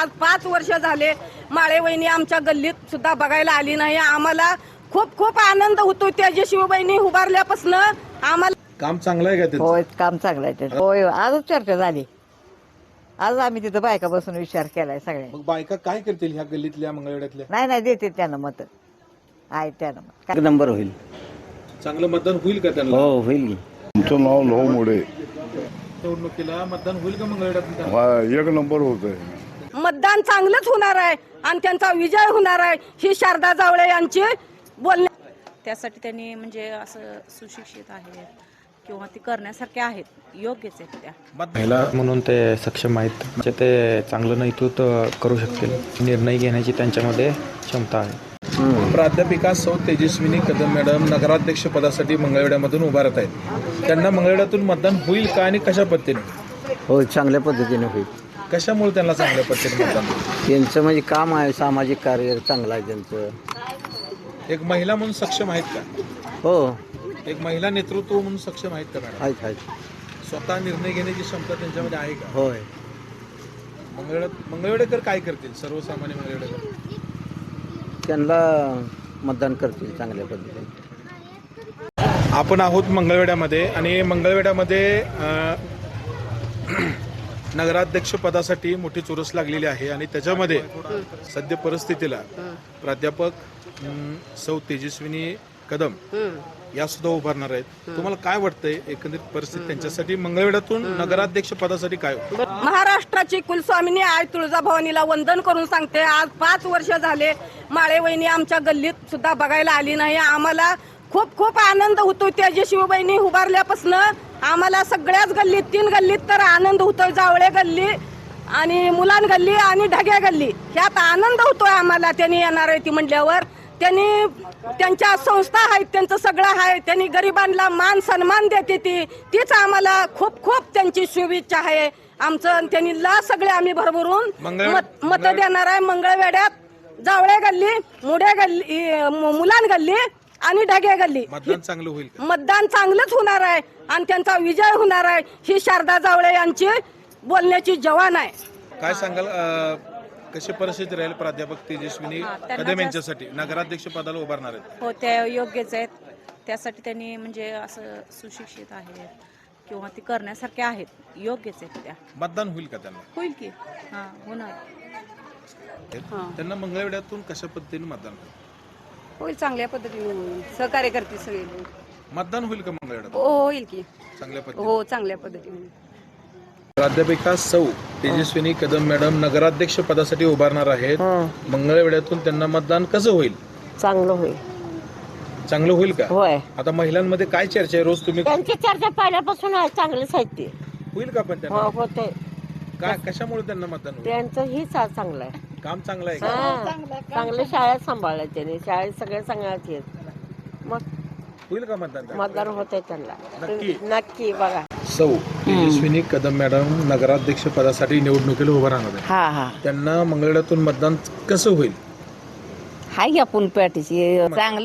आज 5 वर्ष झाले माळे वहिनी आमच्या गल्लीत सुद्धा बघायला आली नाही. आम्हाला खूप खूप आनंद होतो तेजस्वी बहिणी उभारल्यापासून. आम्हाला काम चांगलं आहे का ते? होय, काम चांगलं आहे त्याचं. होय, आजच चर्चा झाली. आज आम्ही तिथं बायका बसून विचार केलाय सगळ्या. मग बायका काय करतील ह्या गल्लीतल्या मंगळवेड्यातल्या? नाही देते त्यांना मत आहे त्यांना मत. एक नंबर होईल. चांगलं मतदान होईल का त्यांना? हो होईल की. तुमचं नाव लव मोडे. निवडणुकीला मतदान होईल का मंगळवेड्यात? एक नंबर होत आहे. मतदान चांगलंच होणार आहे आणि त्यांचा विजय होणार आहे ही शारदा जावळे यांची बोलणे. त्यासाठी त्यांनी म्हणजे असं सुशिक्षित आहेत किंवा ते करण्यासारखे आहेत, योग्यच आहेत त्या. महिला म्हणून ते सक्षम आहेत, म्हणजे ते चांगलं नेतृत्व करू शकतील. निर्णय घेण्याची त्यांच्यामध्ये क्षमता आहे. प्राध्यापिका सौ तेजस्विनी कदम मॅडम नगराध्यक्ष पदासाठी मंगळवेड्यामधून उभारत आहेत. त्यांना मंगळवेड्यातून मतदान होईल का आणि कशा पद्धतीने? हो, चांगल्या पद्धतीने होईल. कशामुळे त्यांना चांगल्या पद्धतीने मतदान होईल? त्यांचं म्हणजे काम आहे, सामाजिक कार्य चांगलं आहे त्यांचं. एक महिला म्हणून सक्षम आहेत का? हो, एक महिला नेतृत्व म्हणून सक्षम आहेत का मॅडम? आहेत. स्वतः निर्णय घेण्याची क्षमता त्यांच्यामध्ये आहे का? होय. मंगळवेडेकर काय करतील? सर्वसामान्य मंगळवेडेकर त्यांना मतदान करतील चांगल्या पद्धतीने. आपण आहोत मंगळवेड्यामध्ये आणि मंगळवेड्यामध्ये नगराध्यक्ष पदासाठी मोठी चुरस लागलेली आहे आणि त्याच्यामध्ये सध्या परिस्थितीला प्राध्यापक सौ तेजस्विनी कदम या सुद्धा उभारणार आहेत. तुम्हाला काय वाटतंय एकंदरीत परिस्थिती त्यांच्यासाठी मंगळवेड्यातून नगराध्यक्ष पदासाठी काय? महाराष्ट्राची कुलस्वामिनी आई तुळजाभवानीला वंदन करून सांगते, आज 5 वर्ष झाले माळे वहिनी आमच्या गल्लीत सुद्धा बघायला आली नाही. आम्हाला खूप खूप आनंद होतो तेजस्वी बहिणी उभारल्यापासून. आम्हाला सगळ्याच गल्लीत 3 गल्लीत तर आनंद होतोय. जावळे गल्ली आणि मुलान गल्ली आणि ढग्या गल्ली ह्यात आनंद होतोय आम्हाला. त्यांनी येणार आहे ती म्हटल्यावर. त्यांनी त्यांच्या संस्था आहेत, त्यांचं सगळं आहे. त्यांनी गरिबांना मान सन्मान देते तीच आम्हाला खूप खूप त्यांची शुभेच्छा आहे. आमचं त्यांनी सगळे आम्ही भरभरून मत देणार आहे. मंगळवेड्यात जावळे गल्ली, मुडे गल्ली, मुलान गल्ली आणि ढगे गल्ली मतदान चांगलं होईल का? मतदान चांगलंच होणार आहे आणि त्यांचा विजय होणार आहे ही शारदा जावळे यांची बोलण्याची जवान आहे. काय सांगाल कशी परिस्थिती राहील प्राध्यापक तेजस्विनी कदम यांच्यासाठी नगराध्यक्ष पदाला उभारणार आहेत? हो, त्या योग्यच आहेत. त्यासाठी त्यांनी म्हणजे असं सुशिक्षित आहेत किंवा ते करण्यासारखे आहेत, योग्यच आहेत त्या. मतदान होईल का त्यांना? होईल की. हां, होणार. त्यांना मंगळवेड्यातून कशा पद्धतीने मतदान होईल? होईल, चांगल्या पद्धतीने होईल. सहकार्य करते सगळे. मतदान होईल का मंगळवेड्यात? होईल की. चांगल्या पद्धतीने. हो, चांगल्या पद्धतीने. प्राध्यापिका सौ तेजस्विनी कदम मॅडम नगराध्यक्ष पदासाठी उभारणार आहेत. मंगळवेड्यातून त्यांना मतदान कसं होईल? चांगलं होईल. चांगलं होईल का? होय, आता महिलांमध्ये काय चर्चा आहे? रोज तुम्ही त्यांची चर्चा पहिल्यापासून आहे, चांगली साहित्य होईल का पण त्यांना? होते. काय कशामुळे त्यांना मतदान होईल? त्यांचं ही चांगलं आहे. काम चांगलं आहे का? चांगले शाळेत सांभाळलं त्यांनी. शाळेत सगळे सांगायचे. मग होईल का मतदान? मतदान होतंय त्यांना. नक्की? नक्की बघा. सौ तेजस्विनी कदम मॅडम नगराध्यक्ष पदासाठी निवडणुकीला उभं राहणार आहे. हा त्यांना मंगळवेड्यातून मतदान कसं होईल? हाय आपण पॅटीची चांगलं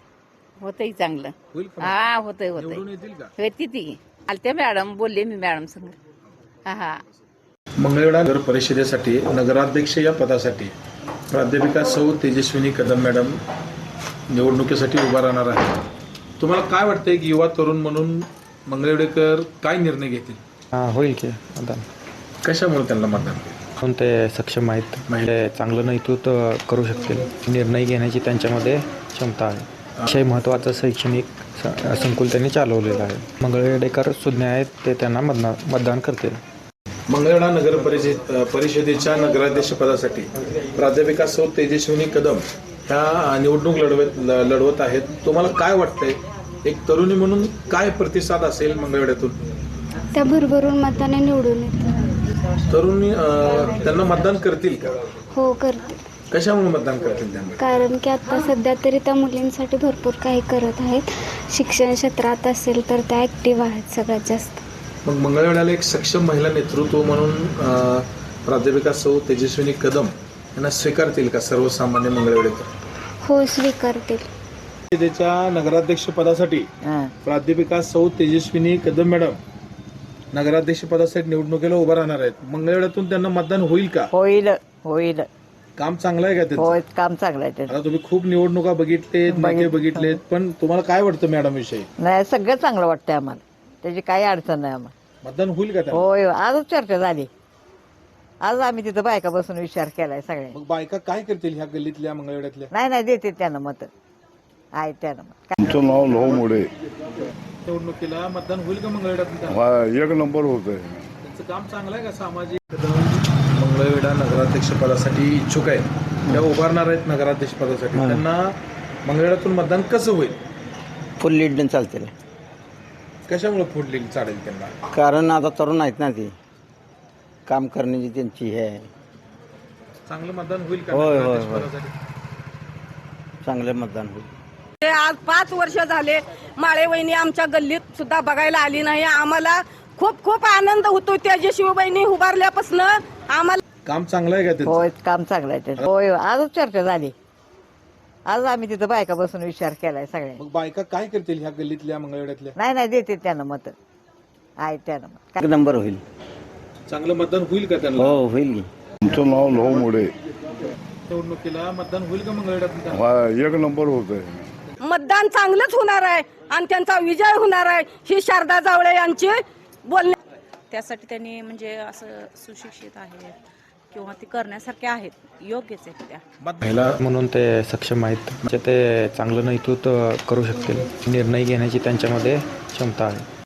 होतंय चांगलं. होईल का? हा होतंय निवडून येतील का? होती ती आलते मॅडम बोलले मी मॅडम संग. हा मंगळवेढा नगर परिषदेसाठी नगराध्यक्ष या पदासाठी प्राध्यापिका सौ तेजस्विनी कदम मॅडम निवडणुकीसाठी उभा राहणार आहे. तुम्हाला काय वाटतंय की युवा तरुण म्हणून मंगळवेडेकर काय निर्णय घेतील? होईल की मतदान. कशामुळे त्यांना मतदान होईल? म्हणून ते सक्षम आहेत, म्हणजे चांगलं नेतृत्व करू शकतील. निर्णय घेण्याची त्यांच्यामध्ये क्षमता आहे. अतिशय महत्त्वाचं शैक्षणिक संकुल त्यांनी चालवलेलं आहे. मंगळवेडेकर सुज्ञ आहेत, ते त्यांना मतदान करतील. मंगळवेढा नगर परिषदेच्या नगराध्यक्ष पदासाठी प्राध्यापिका सौ तेजस्विनी कदम ह्या निवडणूक लढवत आहेत. तुम्हाला काय वाटतंय एक तरुणी म्हणून काय प्रतिसाद असेल मंगळवेढ्यातून? त्या भरभरून मताने निवडून येतात. तरुणी त्यांना मतदान करतील का? हो, करते. कशामुळे मतदान करतील त्यांना? कारण की आता सध्या तरी त्या मुलींसाठी भरपूर काही करत आहेत. शिक्षण क्षेत्रात असेल तर त्या ॲक्टिव्ह आहेत सगळ्यात जास्त. मग मंगळवेढ्याला एक सक्षम महिला नेतृत्व म्हणून प्राध्यापिका सौ तेजस्विनी कदम यांना स्वीकारतील का सर्वसामान्य मंगळवेढेकर? हो, स्वीकारतील. परिषदेच्या नगराध्यक्ष पदासाठी प्राध्यापिका सौ तेजस्विनी कदम मॅडम नगराध्यक्ष पदासाठी निवडणुकीला उभा राहणार आहेत. मंगळवेढ्यातून त्यांना मतदान होईल का? होईल. होईल. काम चांगलं आहे का त्यांचं? होय, काम चांगलं आहे त्याचं. आता तुम्ही खूप निवडणुका बघितलेत, नेते बघितलेत, पण तुम्हाला काय वाटतं मॅडम विषयी? नाही, सगळं चांगलं वाटतंय आम्हाला. त्याची काही अडचण नाही आम्हाला. मतदान होईल का त्याला? होय, आजच चर्चा झाली. आज आम्ही तिथं बायका बसून विचार केलाय सगळ्या. मग बायका काय करतील ह्या गल्लीतल्या मंगळवेड्यातल्या? नाही देते त्यांना मत. आहे त्यांना मत. तुमचं नाव लहू मोडे. निवडणुकीला मतदान होईल का मंगळवेड्यात? हा, एक नंबर होत आहे. त्यांचं काम चांगलं आहे का? सामाजिक मंगळवेढा नगराध्यक्ष पदासाठी इच्छुक आहेत, त्या उभारणार आहेत नगराध्यक्ष पदासाठी. त्यांना मंगळवेढ्यातून मतदान कसं होईल? फुल लीड चालते. कशामुळे फुडली चालेल त्यांना? कारण आता तरुण आहेत ना, ती काम करण्याची त्यांची हे आहे. चांगलं मतदान होईल का होय, होय, नगराध्यक्ष होय. पदासाठी? चांगलं मतदान होईल. ते आज 5 वर्ष झाले माळे वहिनी आमच्या गल्लीत सुद्धा बघायला आली नाही. आम्हाला खूप खूप आनंद होतो त्या शिवबहिणी उभारल्यापासून. आम्हाला काम चांगलं आहे का त्यांचं? होय, काम चांगलं आहे त्याचं. होय, आजच चर्चा झाली. आज आम्ही तिथं बायका बसून विचार केलाय सगळ्या. मग बायका काय करतील ह्या गल्लीतल्या मंगळवेड्यातल्या? नाही देते त्यांना मत. आहे त्यांना मत. एक नंबर होईल. चांगलं मतदान होईल का त्यांना? हो, होईल की. तुमचं नाव लहू मोडे. निवडणुकीला मतदान होईल का मंगळवेड्यात? हा, एक नंबर होत आहे. मतदान चांगलंच होणार आहे आणि त्यांचा विजय होणार आहे ही शारदा जावळे यांची बोलणे. त्यासाठी त्यांनी म्हणजे असं सुशिक्षित आहेत किंवा ते करण्यासारखे आहेत, योग्यच आहेत त्या. महिला म्हणून ते सक्षम आहेत. म्हणजे ते चांगलं नेतृत्व करू शकतील. निर्णय घेण्याची त्यांच्यामध्ये क्षमता आहे.